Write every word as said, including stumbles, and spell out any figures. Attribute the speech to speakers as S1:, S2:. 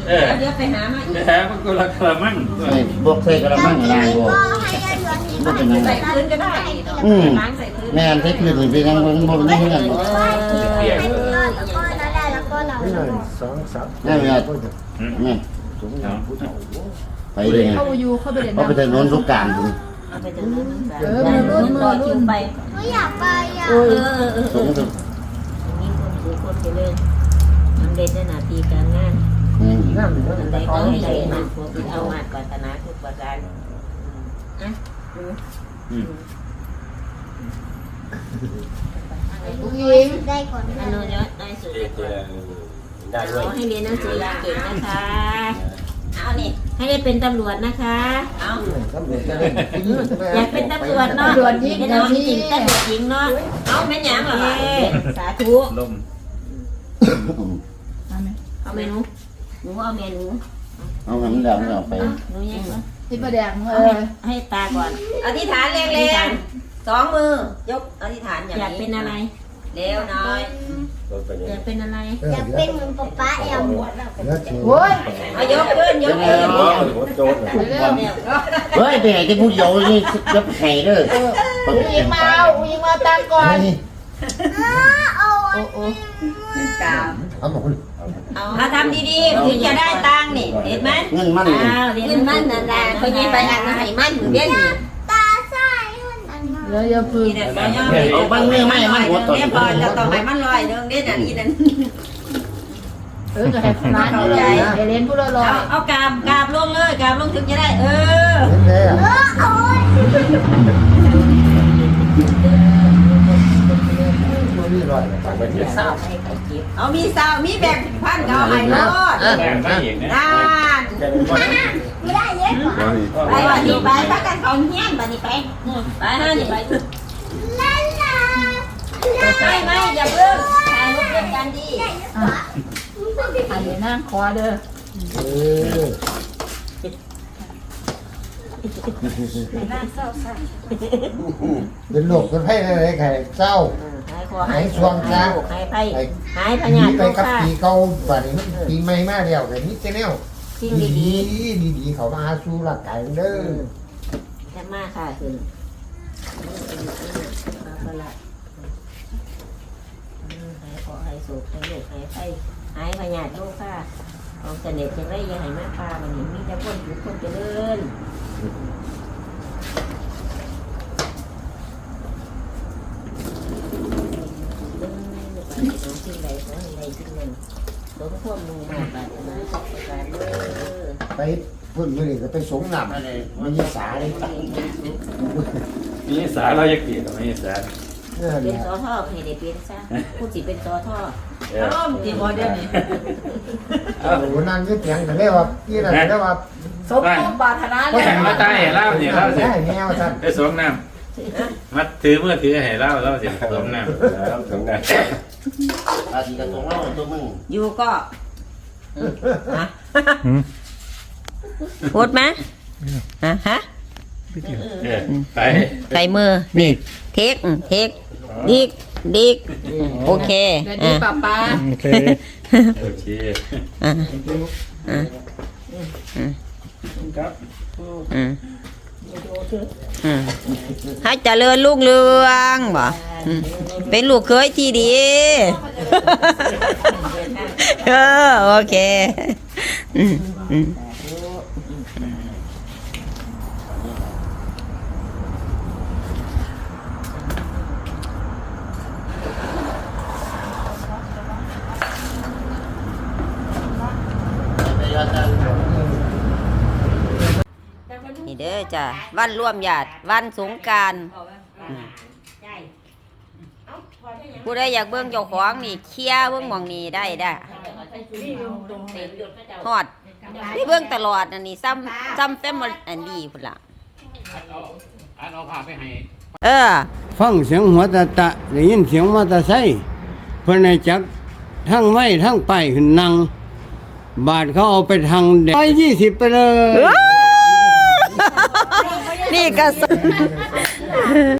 S1: เดี๋ยวไปหามาอีก
S2: ไปหามันก็ละกระมัง
S3: บวกใส่กระมังนางบวกบ่เป็นยังไง
S1: ใส่พื้นก็ได้ล้างใส่พื้น
S3: แม่นใส่พื้นเป็นยังบ่บ่ได้เงิน
S2: เปียก
S4: สองสาม
S3: แม่แม่แม่ไปเลย
S5: เข้าอยู่เข้าไปเรียน
S3: เขาไปถนนสงกรานต์พุ่น
S1: เอาไปถึงนู้น
S5: เออมันรุ่น
S1: รอคิวไป
S6: ไม่อยากไปอ่ะ
S1: เออเออเออ
S3: สงส
S1: มีคนถือคนไปเลยมันเด่นในหน้าที่การงาน
S3: อืม
S4: น้ำหนึ่ง
S1: มัน
S4: แต่
S1: ได้
S4: ขอ
S1: ก็
S4: ง
S1: ให้
S4: ใส่
S1: ได้
S4: มา
S1: มันพวกที่เอามาก่อนตนาทุกประการอ่ะดู
S2: อืม
S5: อุ้งยิง
S6: ได้ก่อน
S1: อนุญาตได้สุด
S2: ได้
S1: ข
S2: ด้วย
S1: อให้เรียนหนังสือเก่งนะคะเอานี่ให้ได้เป็นตำรวจนะคะเอา
S4: ตำรวจจะเล่น
S1: อยากเป็นตำรวจเนาะตำรวจหญิงตำรวจหญิงตำรวจหญิงเนาะเอาแม่นยังเหรอสาธุ
S2: ลม
S1: เอาเมนูหนูเอาเมนู
S3: เอาให้มันแล้วมันเอาไป
S1: หนูยังเหรอ
S5: ที่ประแดงเอ
S1: เอา
S5: อ
S1: ให้ให้ตาก่อน
S7: อธิษฐานแรงๆสองมือยกอธิษฐานอย่าง
S1: อยาก
S7: นี้
S1: เป็นอะไร
S7: เร็วน้อย
S1: อยากเป็นอะไร
S6: อยากเป็นเหมือนป๊าป๊าแอม
S5: โอ้ย
S7: เอายกขึ้นยกขึ้น
S5: เร็ว
S3: เฮ้ยไปไหนที่ผู้เดียวนี่จะไปไหนเด้อ
S5: อุ้งยิงมาเอาอุ้งยิงมาตังก่อน
S6: เอา
S5: โอ้โอ้
S7: กราบ
S4: เอาหมด
S7: ถ้าทำดีๆถึงจะได้ตังค์นี่เห็นไหม
S3: เงินมัน
S1: อ้าวเรียน
S7: ขึ้นมันนั่นแหละเขายิงไปอันไหนมันเบี้ยนี่
S6: ตาใส่หุ่นอันนั้น
S5: เดี๋ยวอย่าพึ่ง
S7: นี่นั่นบ่ยอม
S3: เอาบางเนื้อไม่มันหัวตน
S7: เนี่ยพอจะต้องให้มันลอยนึงเด้นั่นอีนั่น
S5: เออจะให้ร้านนี้เลยให้เรียนผู้ละร้อ
S7: เอา
S5: ย
S7: เอากราบกราบลงเลยกราบลงถึงจะได้เออ
S4: เห็นแล้ว
S6: โอ้ย
S4: มีรอย
S2: ต่างประเทศทราบ
S1: ให้เขาเก็บ
S7: เอามีสาวมีแบ่งพันก็เอาให้รอด
S2: แรงไม่เห็นนะ
S7: ด้าน
S6: ไม่ได้เยอะกว่า
S7: ไปวันนี้ไปพักกันเขาเฮี้ยนวันนี้ไปไปฮะนี่ไป
S6: ลาลา
S7: ไม่ไม่อย่าเพิ่งถ่ายรูปเดียวกันดี
S5: อันนี้นั่งคอเด้อ
S4: เออ เป็นโรคเป็นไข้อะไรไข่เศร้า
S1: หายคอหายช่วงหายหายไปหายพ
S4: หนี
S1: ยาธิ
S4: ไป
S1: โรค
S4: กับ
S1: ค่ะ
S4: ปีเก่าป่านนี้มันปีใหม่มาแล้วแต่นี้เจ้าแนว
S1: สิ่ง
S4: ดี
S1: ดี
S4: ดีดีดีเขามาสู่ร่างกายเด้อ
S1: ๆจะมากค่ะคือเอาละหายคอหายสูบหายโรคหายไปหายพยาธิโรคค่ะเอาเสน่ห์จะได้ยังหายมากปลามันมีแต่คนอยู่คนเจริญสิ่งใดขอให้ใดสิ่งหนึ่งสมควรมุ่งมั่นปรารถนาทุกประการเด้อ
S4: ไปพุ่นมือนี่ก็ไปสงน้ำมันยิ่งสาเลย
S2: มีสาเราอยากเกลียดไม่สา
S4: เนี่ย
S1: เป็น
S4: เนี่ย
S1: สอท่อให้ได้เป็นซะผู้สิเป็นสอท่อ
S2: เออ
S7: ร่มจีบอเดียวนี่
S4: โอ้โหนั่งยึดเสียงกันได้ว่าพี่นั่นได้ว่า
S5: สมบูรณ์ปรารถนา
S2: ก็
S5: เลย
S2: แข่งมาตายให้เล่าเนี่ยเล่าสิ
S4: ได้แนวท่าน
S2: ไปสวมน้ำมัดถือเมื่อถือให้เล่าเล่าสิสวมน้ำสวมน้ำ
S3: อาทิตย์ละสองรอบตัวมึง
S7: อยู่ก็พูดไหมอ่ะฮะ
S2: เออไป
S7: ใส่มือ
S3: นี่
S7: เทคเทคดิกดิกโอเค
S5: เดี๋ยวนี้ป้าป้า
S2: โอเคโอเค
S7: อ่ะอ่ะ
S2: ครับ
S7: อืมอืมให้เจริญรุ่งเรืองบ่อืมเป็นลูกเคยที่ดี เออโอเคอืมอืม นี่เด้อจ้ะวันร่วมญาติวันสงกรานต์ผู้ใดอยากเบิ่งเจ้าของนี่เคลียร์เบิ่งหม่องนี้ได้ได้ฮอดนี่เบิ่งตลอดอันนี้ซ้ำซ้ำแฟมอันดีพุ่นล่ะ
S2: อันเอาผ้าไปให้
S7: เออ
S8: ฟังเสียงหัวตะตะได้ยินเสียงมอเตอร์ไซค์เพิ่นให้จักทั้งไม้ทั้งไปขึ้นนั่งบาทเขาเอาไปทางแดงร้อยยี่สิบไปเลย
S7: นี่ก็